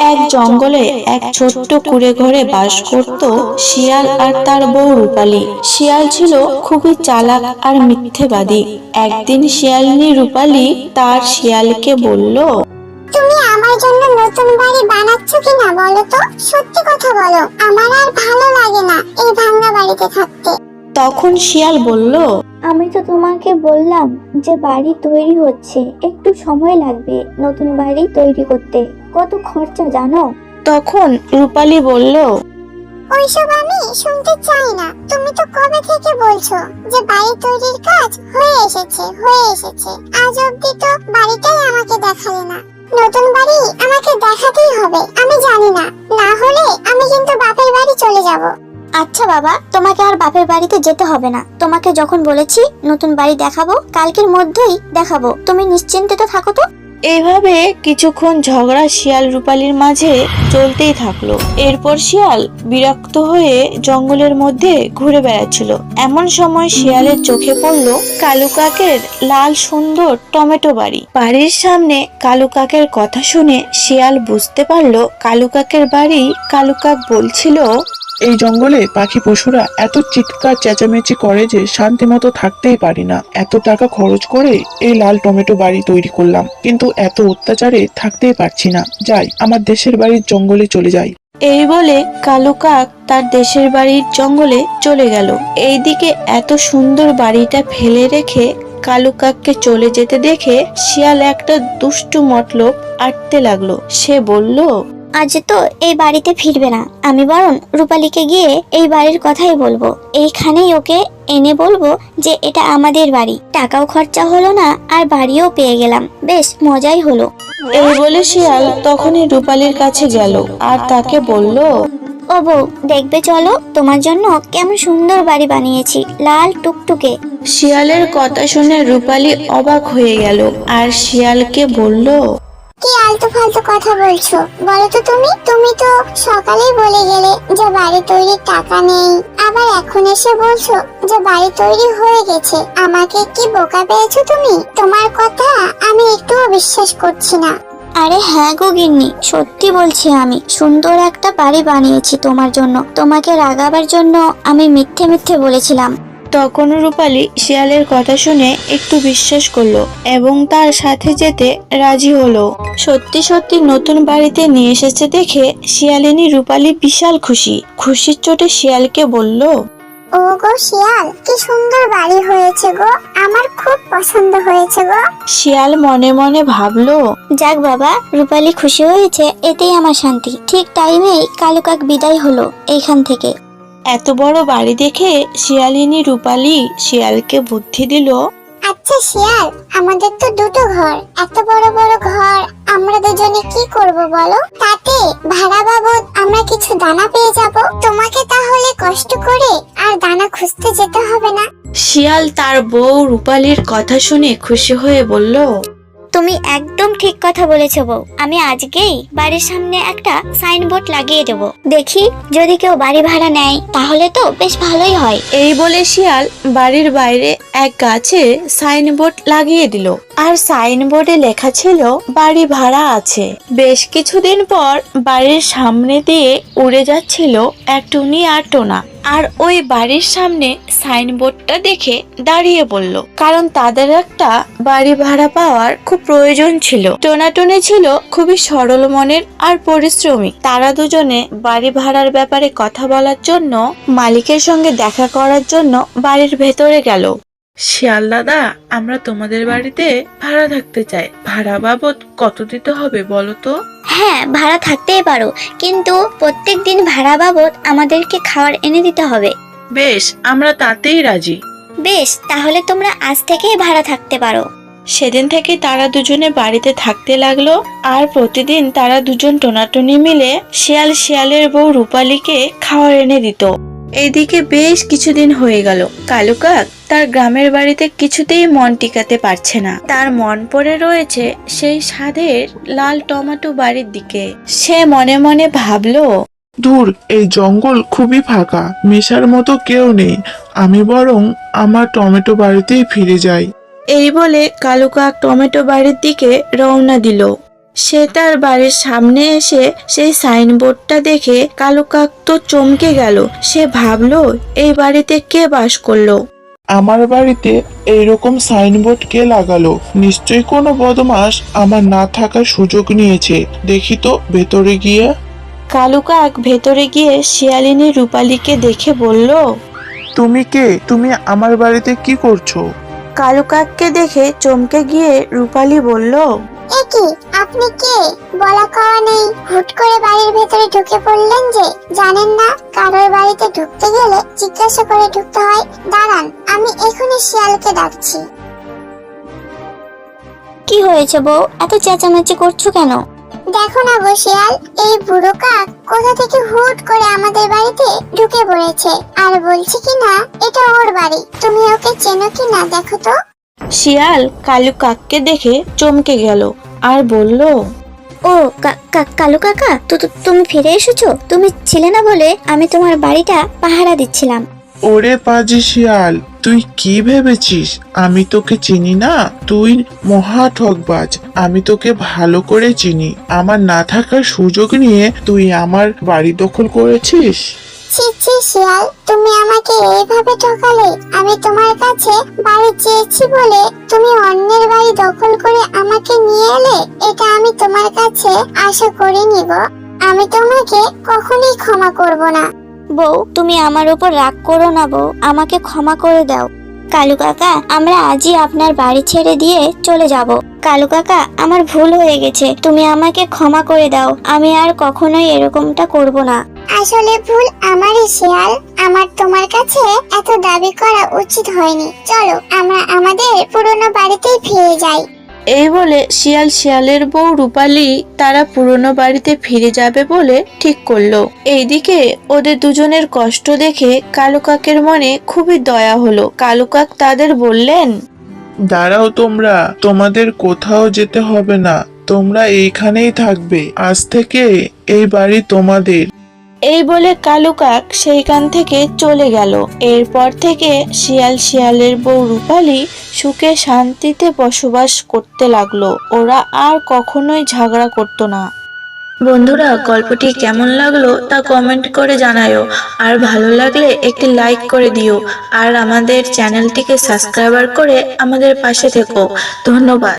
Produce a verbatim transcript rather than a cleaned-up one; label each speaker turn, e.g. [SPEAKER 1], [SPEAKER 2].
[SPEAKER 1] এক জঙ্গলে এক ছোট্ট কুঁড়ে ঘরে বাস করত শিয়াল আর তার বউ রূপালী। শিয়াল ছিল খুবই চালাক আর মিথ্যেবাদী। একদিন শিয়ালিনী রূপালী তার শিয়ালকে বলল,
[SPEAKER 2] তুমি আমার জন্য নতুন বাড়ি বানাচ্ছ কিনা বলো তো, সত্যি কথা বলো, আমার আর ভালো লাগে না এই ভাঙা বাড়িতে থাকতে।
[SPEAKER 1] তখন শিয়াল বলল,
[SPEAKER 3] আমি তো তোমাকে বললাম যে বাড়ি তৈরি হচ্ছে, একটু সময় লাগবে নতুন বাড়ি তৈরি করতে, কত খরচা জানো?
[SPEAKER 1] তখন রূপালী বলল,
[SPEAKER 2] ওইসব আমি শুনতে চাই না। তুমি তো কবে থেকে বলছো যে বাড়ি তৈরির কাজ হয়ে এসেছে হয়ে এসেছে আজ অব্দি তো বাড়িটাই আমাকে দেখালে না। নতুন বাড়ি আমাকে দেখাতেই হবে, আমি জানি না, না হলে আমি কিন্তু বাপের বাড়ি চলে যাব।
[SPEAKER 3] আচ্ছা বাবা, তোমাকে আর বাপের বাড়িতে যেতে হবে না। তোমাকে যখন বলেছি নতুন বাড়ি দেখাবো, কালকের মধ্যেই দেখাবো, তুমি নিশ্চিন্তে তো থাকো তো।
[SPEAKER 1] এইভাবে কিছুক্ষণ ঝগড়া শিয়াল রূপালীর মাঝে চলতেই থাকলো। এরপর শিয়াল বিরক্ত হয়ে জঙ্গলের মধ্যে ঘুরে বেড়াচ্ছিল। এমন সময় শিয়ালের চোখে পড়ল কালু কাকের লাল সুন্দর টমেটো বাড়ি। বাড়ির সামনে কালু কাকের কথা শুনে শিয়াল বুঝতে পারলো কালু কাকের বাড়ি। কালু কাক বলছিল,
[SPEAKER 4] এই জঙ্গলে পাখি পশুরা এত চিৎকার চেঁচামেচি করে যে শান্তি মতো থাকতেই পারি না। এত টাকা খরচ করে এই লাল টমেটো বাড়ি তৈরি করলাম, কিন্তু এত অত্যাচারে থাকতেই পারছি না। যাই, আমার দেশের বাড়ির জঙ্গলে চলে যাই।
[SPEAKER 1] এই বলে কালু কাক তার দেশের বাড়ির জঙ্গলে চলে গেল। এইদিকে এত সুন্দর বাড়িটা ফেলে রেখে কালু কাককে চলে যেতে দেখে শিয়াল একটা দুষ্টু মতলব আটতে লাগলো। সে বলল,
[SPEAKER 3] আজ তো এই বাড়িতে ফিরবে না, আমি বরং রূপালীকে গিয়ে এই বাড়ির কথাই বলবো। এইখানেই ওকে এনে বলবো যে এটা আমাদের বাড়ি, টাকাও খরচা হলো না আর বাড়িও পেয়ে গেলাম, বেশ মজাই হলো।
[SPEAKER 1] এই বলে শিয়াল তখনই রূপালীর কাছে গেল আর তাকে বলল,
[SPEAKER 3] ও বউ, দেখবে চলো, তোমার জন্য কেমন সুন্দর বাড়ি বানিয়েছি, লাল টুকটুকে।
[SPEAKER 1] শিয়ালের কথা শুনে রূপালী অবাক হয়ে গেল আর শিয়ালকে বলল,
[SPEAKER 2] কি আলতু ফালতু কথা বলছো বলো তো তুমি? তুমি তো সকালেই বলে গেলে যে বাড়ি তৈরির টাকা নেই, আবার এখন এসে বলছো যে বাড়ি তৈরি হয়ে গেছে। আমাকে কি বোকা পেয়েছো তুমি? তোমার কথা আমি একটুও বিশ্বাস করছি না।
[SPEAKER 3] আরে হ্যাঁ গো গিন্নি, সত্যি বলছি, আমি সুন্দর একটা বাড়ি বানিয়েছি তোমার জন্য। তোমাকে রাগাবার জন্য আমি মিথ্যে মিথ্যে বলেছিলাম।
[SPEAKER 1] তখন রূপালী শিয়ালের কথা শুনে একটু বিশ্বাস করলো এবং তার সাথে যেতে রাজি হলো। সত্যি সত্যি নতুন বাড়িতে নিয়ে এসেছে দেখে শিয়ালিনী রূপালী বিশাল খুশি। খুশির চোটে শিয়ালকে বলল,
[SPEAKER 2] ও গো শিয়াল, কি সুন্দর বাড়ি হয়েছে গো, আমার খুব পছন্দ হয়েছে গো।
[SPEAKER 1] শিয়াল মনে মনে ভাবলো,
[SPEAKER 3] যাক বাবা, রূপালী খুশি হয়েছে, এতেই আমার শান্তি। ঠিক টাইমেই কালু কাক বিদায় হলো এইখান থেকে।
[SPEAKER 1] এত বড় বাড়ি দেখে শিয়ালিনী রূপালী শিয়ালকে বুদ্ধি দিল,
[SPEAKER 2] আচ্ছা শিয়াল, আমাদের তো দুটো ঘর, এত বড় বড় ঘর আমরা দুজনে কি করব বলো? তাতে ভাড়া বাবদ আমরা কিছু দানা পেয়ে যাব, তোমাকে তাহলে কষ্ট করে আর দানা খুঁজতে যেতে হবে না।
[SPEAKER 1] শিয়াল তার বউ রূপালীর কথা শুনে খুশি হয়ে বলল,
[SPEAKER 3] তুমি একদম ঠিক কথা বলেছো বউ, আমি আজকেই বাড়ির সামনে একটা সাইনবোর্ড লাগিয়ে দেবো। দেখি যদি কেউ বাড়ি ভাড়া নেয় তাহলে তো বেশ ভালোই হয়।
[SPEAKER 1] এই বলে শিয়াল বাড়ির বাইরে এক গাছে সাইনবোর্ড লাগিয়ে দিল আর সাইনবোর্ডে লেখা ছিল বাড়ি ভাড়া আছে। বেশ কিছুদিন পর বাড়ির সামনে দিয়ে উড়ে যাচ্ছিল এক টুনি আর টোনা, আর ওই বাড়ির সামনে সাইনবোর্ডটা দেখে দাঁড়িয়ে পড়ল, কারণ তাদের একটা বাড়ি ভাড়া পাওয়ার খুব প্রয়োজন ছিল। টোনাটুনি ছিল খুবই সরল মনের আর পরিশ্রমী। তারা দুজনে বাড়ি ভাড়ার ব্যাপারে কথা বলার জন্য মালিকের সঙ্গে দেখা করার জন্য বাড়ির ভেতরে গেল।
[SPEAKER 4] শিয়াল দাদা, আমরা তোমাদের বাড়িতে ভাড়া থাকতে চাই। ভাড়া বাবদ কত দিতে হবে বলো তো?
[SPEAKER 3] হ্যাঁ, ভাড়া থাকতেই পারো, কিন্তু প্রত্যেক দিন ভাড়া বাবদ আমাদেরকে খাবার এনে দিতে হবে।
[SPEAKER 4] বেশ, আমরা তাতেই রাজি।
[SPEAKER 3] বেশ, তাহলে তোমরা আজ থেকেই ভাড়া থাকতে পারো।
[SPEAKER 1] সেদিন থেকে তারা দুজনে বাড়িতে থাকতে লাগলো আর প্রতিদিন তারা দুজন টোনাটুনি মিলে শিয়াল শিয়ালের বউ রূপালীকে খাবার এনে দিত। এইদিকে বেশ কিছুদিন হয়ে গেল। কালু কাক তার গ্রামের বাড়িতে কিছুতেই মন টিকাতে পারছে না। তার মন পড়ে রয়েছে সেই স্বাদের লাল টমেটো বাড়ির দিকে। সে মনে মনে ভাবলো,
[SPEAKER 4] দূর, এই জঙ্গল খুবই ফাঁকা, মেশার মতো কেউ নেই। আমি বরং আমার টমেটো বাড়িতেই ফিরে যাই।
[SPEAKER 1] এই বলে কালু কাক টমেটো বাড়ির দিকে রওনা দিল। সে তার বাড়ির সামনে এসে সেই সাইনবোর্ডটা দেখে কালু কাক তো চমকে গেল। সে ভাবলো এই বাড়িতে কে বাস করলো।
[SPEAKER 4] আমার বাড়িতে এইরকম সাইনবোর্ড কে লাগালো? নিশ্চয়ই কোনো বদমাস আমার না থাকার সুযোগ নিয়েছে। দেখি তো ভেতরে গিয়ে।
[SPEAKER 1] কালু কাক ভেতরে গিয়ে শিয়ালিনী রূপালীকে দেখে বলল,
[SPEAKER 4] তুমি কে? তুমি আমার বাড়িতে কি করছো?
[SPEAKER 1] কালু কাককে দেখে চমকে গিয়ে রূপালী বলল,
[SPEAKER 2] এ কি, আপনি কে? বলা কওয়া নেই, হুট করে বাড়ির ভেতরে ঢুকে পড়লেন যে। জানেন না কারোর বাড়িতে ঢুকতে গেলে জিজ্ঞাসা করে ঢুকতে হয়? দাঁড়ান, আমি এখনই শিয়ালকে ডাকছি।
[SPEAKER 3] কি হয়েছে বউ, এত চেঁচামেচি করছো কেন?
[SPEAKER 2] দেখো না গো শিয়াল, এই বুড়ো কাক কোথা থেকে হুট করে আমাদের বাড়িতে ঢুকে পড়েছে আর বলছে কি না এটা ওর বাড়ি। তুমি ওকে চেনো কি না দেখো তো।
[SPEAKER 1] শিয়াল কালু কাককে দেখে চমকে গেল আর বলল,
[SPEAKER 3] ও কা- কা- কালু কাকা, তো তো- তুমি ফিরে এসেছো? তুমি ছিলে না বলে আমি তোমার বাড়িটা পাহারা দিচ্ছিলাম।
[SPEAKER 4] ওরে পাজি শিয়াল, তুই কি ভেবেছিস আমি তোকে চিনি না? তুই মহা ঠকবাজ। আমি তোকে ভালো করে চিনি। আমার না থাকার সুযোগ নিয়ে তুই আমার বাড়ি দখল করেছিস।
[SPEAKER 2] ছি ছি শিয়াল, তুমি আমাকে এইভাবে ঠকালে। আমি তোমার কাছে বাড়ি চেয়েছি বলে তুমি অন্যের বাড়ি দখল করে আমাকে নিয়ে এলে। এটা আমি তোমার কাছে আশা করিনি গো। আমি তোমাকে কখনোই ক্ষমা করব না।
[SPEAKER 3] বউ, তুমি আমার উপর রাগ করো না বউ, আমাকে ক্ষমা করে দাও। কালু কাকা, আমরা আজই আপনার বাড়ি ছেড়ে দিয়ে চলে যাব। কালু কাকা, আমার ভুল হয়ে গেছে, তুমি আমাকে ক্ষমা করে দাও। আমি আর কখনোই এরকমটা করব না।
[SPEAKER 2] আসলে ভুল আমারই শিয়াল। আমার তোমার কাছে এত দাবি করা উচিত হয়নি। চলো আমরা আমাদের পুরনো বাড়িতেই ফিরে যাই।
[SPEAKER 1] এই বলে শিয়াল শিয়ালের বউ রূপালী তারা পুরনো বাড়িতে ফিরে যাবে বলে ঠিক করলো। এইদিকে ওদের দুজনের কষ্ট দেখে কালু কাকের মনে খুবই দয়া হলো। কালু কাক তাদের বললেন,
[SPEAKER 4] দাঁড়াও তোমরা, তোমাদের কোথাও যেতে হবে না। তোমরা এইখানেই থাকবে। আজ থেকে এই বাড়ি তোমাদের।
[SPEAKER 1] এই বলে কালু কাক সেইখান থেকে চলে গেল। এরপর থেকে শিয়াল শিয়ালের বউ রূপালী সুখে শান্তিতে বসবাস করতে লাগলো। ওরা আর কখনোই ঝগড়া করতো না। বন্ধুরা, গল্পটি কেমন লাগলো তা কমেন্ট করে জানাও। আর ভালো লাগলে একটি লাইক করে দিও। আর আমাদের চ্যানেলটিকে সাবস্ক্রাইব করে আমাদের পাশে থেকো। ধন্যবাদ।